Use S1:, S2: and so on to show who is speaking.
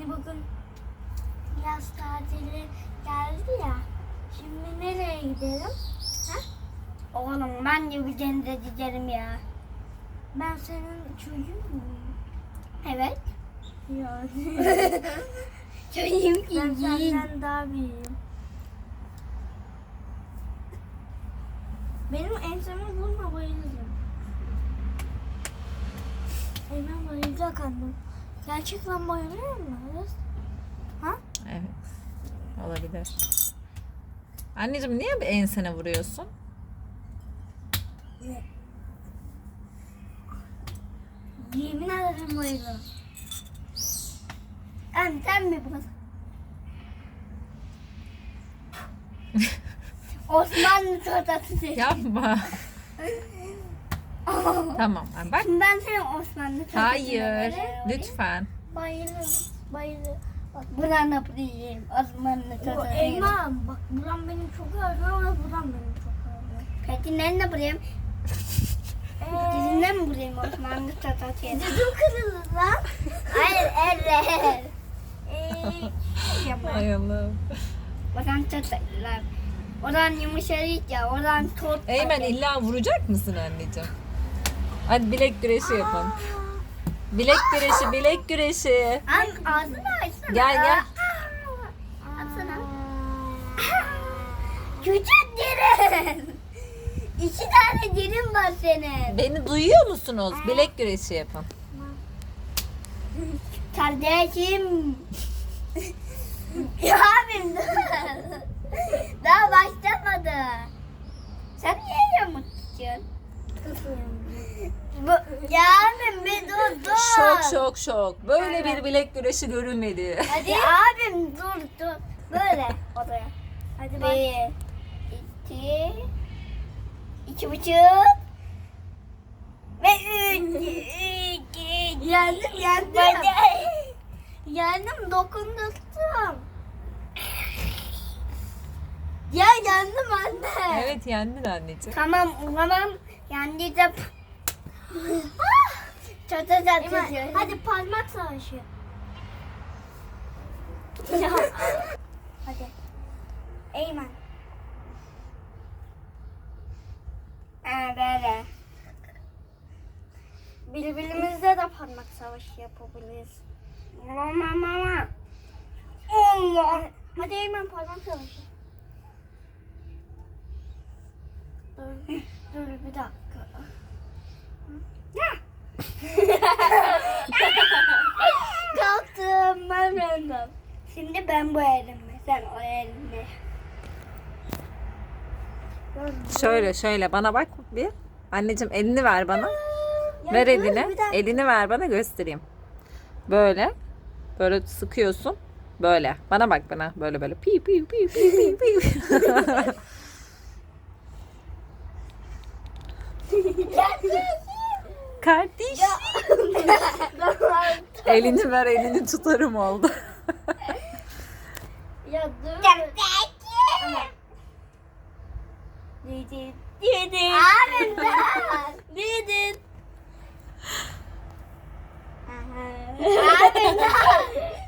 S1: Bugün yaz tatili geldi ya. Şimdi nereye gidelim? Ha? Oğlum ben de bir denize giderim ya. Ben senin çocuğun muyum? Evet. Ya. Çocuğum ki. Ben senden daha büyüğüm. Benim ensemi vurma, bayılırım. Hemen bayılacak annem. Gerçekten bayılıyor mu? Ha?
S2: Evet. Olabilir. Anneciğim niye bir ensene vuruyorsun?
S1: Ne? Yemin ederim bayılırım. Sen mi bana? Osmanlı çorbası.
S2: Yapma. Tamam. Bak.
S1: Şimdi ben senin Osmanlı çorbası.
S2: Hayır. Lütfen.
S1: Bayılırım. Bak buran yapayım. Osmanlı çorbası. Elma bak buram benim çok ağrıyor ama buram benim çok ağrıyor. Peki nerede vurayım? Dizinden mi vurayım Osmanlı çorbası? Dizim kırılır lan. Hayır elle.
S2: Ay Allah'ım.
S1: Oradan çatırlar. Oradan yumuşacık ya. Oradan tot.
S2: Eymen illa vuracak mısın anneciğim? Hadi bilek güreşi yapın. Bilek güreşi, bilek güreşi.
S1: Ağzını açsana.
S2: Gel.
S1: Açsana. Küçük derin. 2 tane derin var senin.
S2: Beni duyuyor musunuz? Bilek güreşi yapın.
S1: Kardeşim. Ya abim dur. Daha başlamadı. Sen niye yamuk tutuyorsun? Ya abim bir dur.
S2: Şok. Böyle bir bilek güreşi görülmedi.
S1: Hadi abim dur. Böyle odaya. Hadi bak. 1, 2, 2,5 ve 3. Yendim. Yendim, dokundurttum. Ya yendim anne.
S2: Evet yendin anneciğim.
S1: Tamam yendi de. Çatı. Hadi parmak savaşı. Hadi. Eymen. Böyle. Birbirimizle de parmak savaşı yapabiliriz. Mama. Allah. Hadi Eymen parmak savaşı. Dur bir dakika. Kalktım ben random. Şimdi ben bu elimle, sen o elinle.
S2: Şöyle bana bak bir. Anneciğim elini ver bana. Ver
S1: dur,
S2: elini.
S1: bir dakika.
S2: Elini ver bana göstereyim. Böyle. Böyle sıkıyorsun. Böyle. Bana bak bana. Böyle. Pi. Kardeş. Elini ver, elini tutarım oldu.
S1: Ya dur. Dedin. Abim dedin. Abim